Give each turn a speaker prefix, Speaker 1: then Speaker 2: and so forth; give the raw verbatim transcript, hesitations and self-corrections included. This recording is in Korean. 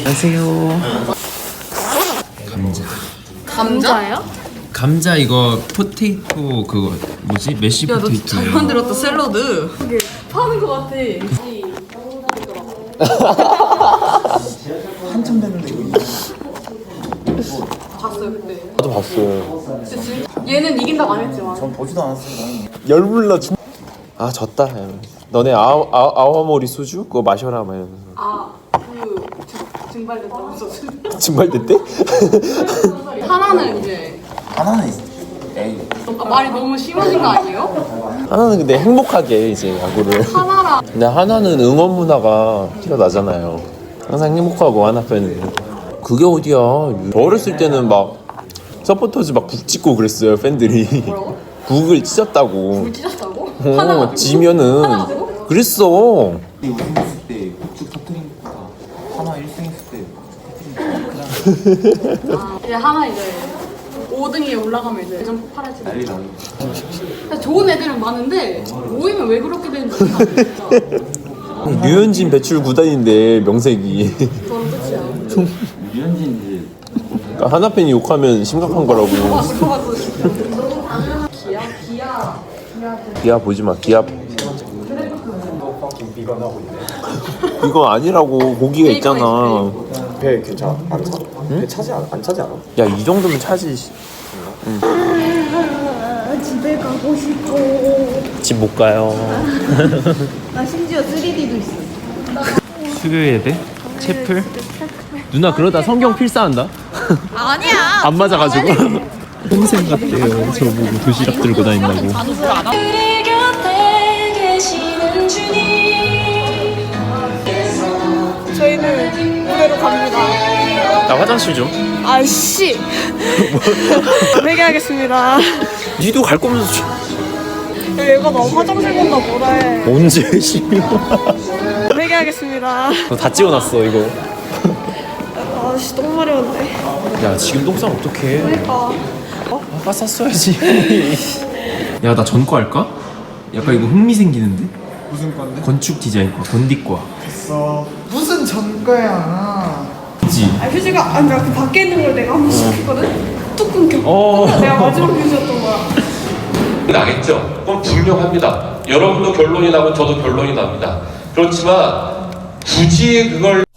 Speaker 1: 안녕하세요. 감자.
Speaker 2: 감자예요?
Speaker 1: 감자 이거 포테이토 그거 뭐지? 메쉬
Speaker 2: 야, 너
Speaker 1: 포테이토.
Speaker 2: 잘 만들었다 샐러드. 이게 파는 거 같아.
Speaker 3: 한참 됐는데 이거
Speaker 2: 봤어요 그때.
Speaker 4: 나도 봤어요.
Speaker 2: 근데 지금 얘는 이긴다고 안 했지만.
Speaker 3: 전 보지도 않았어요.
Speaker 4: 열불나 죽. 아 졌다. 너네 아우 아우 아와모리 소주 그거 마셔라 막 이러면서.
Speaker 2: 아그 증발됐다고 소주.
Speaker 4: 증발됐대?
Speaker 2: 하나는 이제
Speaker 3: 하나는 있어. 에이.
Speaker 2: 아, 말이 너무 심하신 거 아니에요?
Speaker 4: 하나는 근데 행복하게 이제 야구를.
Speaker 2: 하나라.
Speaker 4: 근데 하나는 응원 문화가 티가 나잖아요. 항상 행복하고 하나 팬은. 그게 어디야? 저 어렸을 때는 막 서포터즈 막 북 찍고 그랬어요 팬들이.
Speaker 2: 뭐라고?
Speaker 4: 북을 찢었다고.
Speaker 2: 불 찢었다고?
Speaker 4: 어,
Speaker 2: 하나 가지고?
Speaker 4: 지면은
Speaker 2: 하나 가지고?
Speaker 4: 그랬어.
Speaker 3: 우승했을 때 북측 터트린 것보다 하나 일 등 했을 때 그냥
Speaker 2: 아, 이제 하나 이제 오 등에 올라가면 이제 좀 팔아지고.
Speaker 3: 난리 나요.
Speaker 2: 좋은 애들은 많은데 모이면 왜 그렇게 되는지 모르겠어.
Speaker 4: 류현진 배출 구단인데 명색이.
Speaker 2: 저는 끝이야.
Speaker 3: 유현진이
Speaker 4: 그러니까 하나 팬이 욕하면 심각한 거라고.
Speaker 2: 그거 봤어, 그거 봤어. 기아, 기아, 기아.
Speaker 4: 기아 보지 마. 기아. 이거 아니라고 고기가 있잖아.
Speaker 5: 배 괜찮아? 안 차? 배 차지 않아? 안 차지 않아?
Speaker 4: 야 이 정도면 차지.
Speaker 6: 집에 가고 싶어.
Speaker 4: 집 못 가요.
Speaker 6: 나 심지어 쓰리디도 있어.
Speaker 4: 수교예대? 채플? 누나 그러다 성경 필사한다?
Speaker 6: 아니야.
Speaker 4: 안 맞아가지고. 평생 같대요. 저보고 도시락 들고 다닌다고.
Speaker 7: 우리 곁에 계시는 주님.
Speaker 6: 저희는 무대로 갑니다.
Speaker 4: 나 화장실 좀.
Speaker 6: 아이씨. 회개하겠습니다.
Speaker 4: 니도 갈 거면서
Speaker 6: 야, 얘가 나 화장실 간다 뭐라 해.
Speaker 4: 언제 심해?
Speaker 6: 회개하겠습니다.
Speaker 4: 다 찍어놨어 이거.
Speaker 6: 아씨 똥 마려운데.
Speaker 4: 야 지금 똥 싸면 어떡해.
Speaker 6: 그러니까.
Speaker 4: 아까 쌌어야지. 야 나 전과 할까? 약간 이거 흥미 생기는데?
Speaker 3: 무슨 건데?
Speaker 4: 건축 디자인과 건디과.
Speaker 3: 있어. 무슨 전과야?
Speaker 4: 그치?
Speaker 6: 아 휴지가 아니라 그 밖에 있는 걸 내가 한 번씩 했거든. 뚝 끊겨.
Speaker 4: 어.
Speaker 6: 내가 마지막 휴지였던 거야.
Speaker 8: 나겠죠? 그건 분명합니다. 여러분도 결론이 나고 저도 결론이 납니다. 그렇지만 굳이 그걸